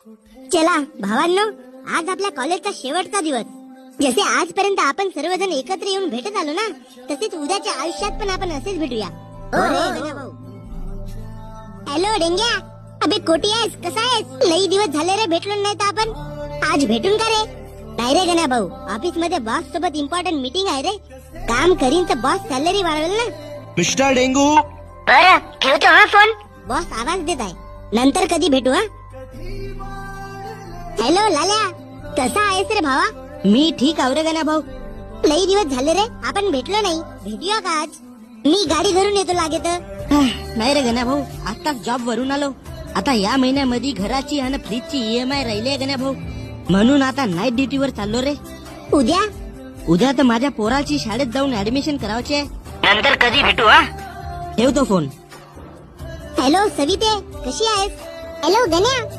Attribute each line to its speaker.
Speaker 1: चला भावांनो, आज आपल्या कॉलेजचा शेवटचा दिवस. जसे आजपर्यंत आपण सर्वजण एकत्र येऊन भेटत आलो ना, तसेच उद्याच्या आयुष्यात पण आपण असेच भेटूया. हॅलो डेंग्या, अबे कोटी आहेस, कसा आहेस? लई दिवस झाले रे भेटलो नाही तर आपण. आज भेटून का रे? नाही रे गण्या भाऊ, ऑफिस मध्ये बॉस सोबत इम्पॉर्टंट मीटिंग आहे रे. काम करीन तर बॉस सॅलरी वाढवेल ना.
Speaker 2: मिस्टर डेंगू,
Speaker 1: बरं ठेवतो हा फोन. बॉस आवाज देत आहे, नंतर कधी भेटू हा. हॅलो लाल्या, कसा आहेस रे भावा? मी ठीक आहो रे गण्या भाऊ. लई दिवस झाले रे आपण भेटलो नाही, भेटूया का आज? मी गाडी धरून येतो लागेत. नाही रे गण्या भाऊ, आताच जॉब वरून आलो. आता या महिन्यामध्ये घराची आणि फ्रीजची EMI राहिली आहे गण्या भाऊ, म्हणून आता नाईट ड्युटीवर चाललो रे. उद्या तर माझ्या पोराची शाळेत जाऊन ऍडमिशन करावची आहे. नंतर कधी भेटू हा. ठेवतो फोन. हॅलो सविते, कशी आहेस? हॅलो गण्या,